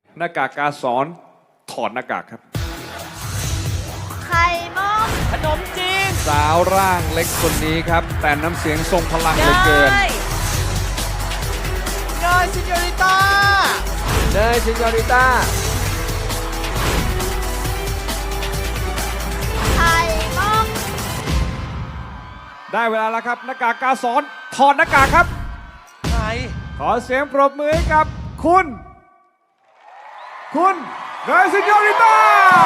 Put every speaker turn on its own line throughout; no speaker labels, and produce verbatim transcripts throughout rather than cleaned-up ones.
หน้ากากกาสอนถอดหน้ากากครับ
ไข่มุก
ขนมจีน
สาวร่างเล็กคนนี้ครับ แต่น้ำเสียงทรงพลังเหลือเกิน
เนยซิญอริต้า
เนยซิญอริต้า
ไข่มุก
ได้เวลาแล้วครับหน้ากากกาสอนถอดหน้ากากครับ
ใคร
ขอเสียงปรบมือให้กับคุณ คุณเนยซิญอริต้า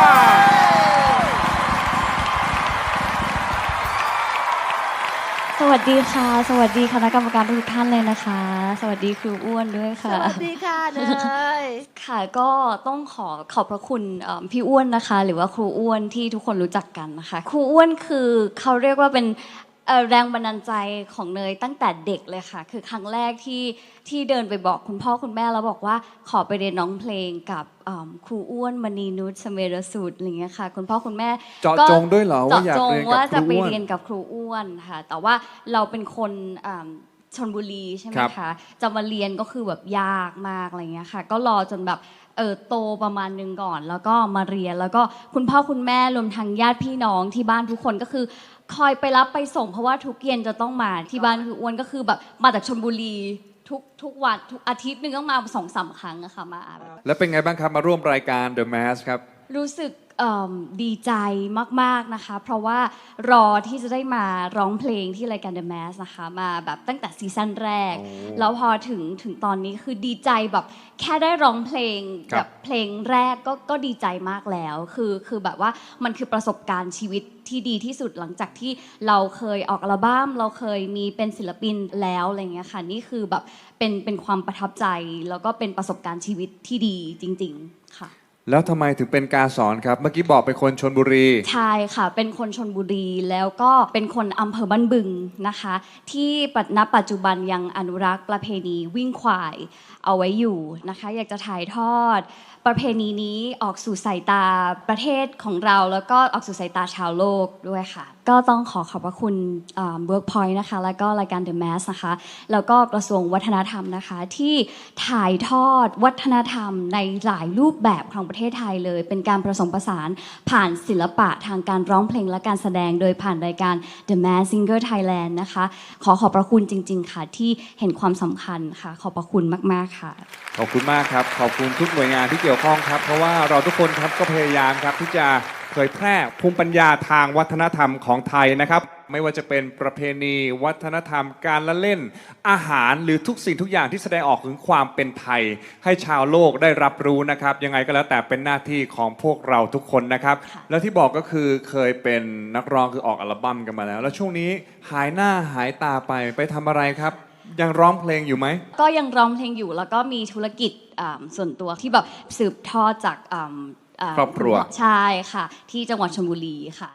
สวัสดีค่ะ สวัสดีคณะกรรมการทุกท่านเลยนะคะ สวัสดีครูอ้วนด้วย
ส
ค่ะ
วัสดีค่ะเนย
ค่ะก็ต้องขอขอบพระคุณเอ่อพี่อ้วนนะคะ หรือว่าครูอ้วนที่ทุกคนรู้จักกันนะคะครูอ้วนคือเขาเรียกว่าเป็นเอ่อแรงบันดาลใจของเนยตั้งแต่เด็กเลยค่ะคือครั้งแรกที่ที่เดินไปบอกคุณพ่อคุณแม่แล้วบอกว่าขอไปเรียนร้องเพลงกับเอิ่มครูอ้วนมณีนุชเสเมรสูตรอะไรอย่างเงี้ยค่ะคุณพ่อคุณแม่
เจาะจงด้วยเหรอว่าอยาก
เจาะจง
เรียนกับ
ว่าจะ
ครู
ไป
อ้วน
เรียนกับครูอ้วนค่ะแต่ว่าเราเป็นคนอ่าชลบุรีใช่ไหม
ครับ
คะจะมาเรียนก็คือแบบยากมากอะไรเงี้ยค่ะก็รอจนแบบเออโตประมาณนึงก่อน แล้วก็มาเรียนแล้วก็คุณพ่อคุณแม่รวมทั้งญาติพี่น้องที่บ้านทุกคนก็คือคอยไปรับไปส่งเพราะว่าทุกเย็นจะต้องมาที่บ้านคืออ้วนก็คือแบบมาจากชลบุรีทุกทุกวันทุกอาทิตย์หนึงต้องมาสองสามครั้งอะค่ะมาแบบ
แล้วเป็นไงบ้างครับมาร่วมรายการ The Mask ครับ
รู้สึกเอิ่มดีใจมากๆนะคะ เพราะว่ารอที่จะได้มาร้องเพลงที่รายการ The Mask นะคะมาแบบตั้งแต่ซีซั่นแรก
โอ้
แล้วพอถึงถึงตอนนี้คือดีใจแบบแค่ได้ร้องเพลง
ครับ
แบบเพลงแรกก็ก็ดีใจมากแล้วคือคือแบบว่ามันคือประสบการณ์ชีวิตที่ดีที่สุดหลังจากที่เราเคยออกอัลบั้มเราเคยมีเป็นศิลปินแล้วอะไรเงี้ยค่ะนี่คือแบบเป็นเป็นความประทับใจแล้วก็เป็นประสบการณ์ชีวิตที่ดีจริง ๆค่ะ
แล้วทำไมถึงเป็นกาสอนครับ เมื่อกี้บอกเป็นคนชนบุรี
ใช่ค่ะ เป็นคนชนบุรีแล้วก็เป็นคนอำเภอบ้านบึงนะคะ ที่ณปัจจุบันยังอนุรักษ์ประเพณีวิ่งควายเอาไว้อยู่นะคะ อยากจะถ่ายทอด ประเพณีนี้ออกสู่สายตาประเทศของเราแล้วก็ออกสู่สายตาชาวโลกด้วยค่ะ ก็ต้องขอขอบพระคุณเอ่อ Workpoint นะคะแล้วก็รายการ The Mask นะคะแล้วก็กระทรวงวัฒนธรรมนะคะที่ถ่ายทอดวัฒนธรรมในหลายรูปแบบของประเทศไทยเลย เป็นการผสมผสานผ่านศิลปะทางการร้องเพลงและการแสดงโดยผ่านรายการ The Mask Singer Thailand นะคะขอขอบพระคุณจริง ๆ ค่ะที่เห็นความสำคัญค่ะขอบพระคุณมากๆค่ะ
ขอบคุณมากครับ ขอบคุณทุกหน่วยงานที่เกี่ยวข้องครับ เพราะว่าเราทุกคนครับก็พยายามครับที่จะเผยแพร่ภูมิปัญญาทางวัฒนธรรมของไทยนะครับ ไม่ว่าจะเป็นประเพณีวัฒนธรรม การละเล่น อาหารหรือทุกสิ่งทุกอย่างที่แสดงออกถึงความเป็นไทย ให้ชาวโลกได้รับรู้นะครับ ยังไงก็แล้วแต่เป็นหน้าที่ของพวกเราทุกคนนะครับ
ค่ะ
แล้วที่บอกก็คือเคยเป็นนักร้องคือออกอัลบั้มกันมาแล้ว แล้วช่วงนี้หายหน้าหายตาไปไปทำอะไรครับ ยังร้องเพลงอยู่ไหม
ก็ยังร้องเพลงอยู่แล้วก็มีธุรกิจอ่าส่วนตัวที่แบบสืบทอดจากอ่าา
ครอบครัว
ใช่ค่ะ ที่จังหวัดชลบุรีค่ะ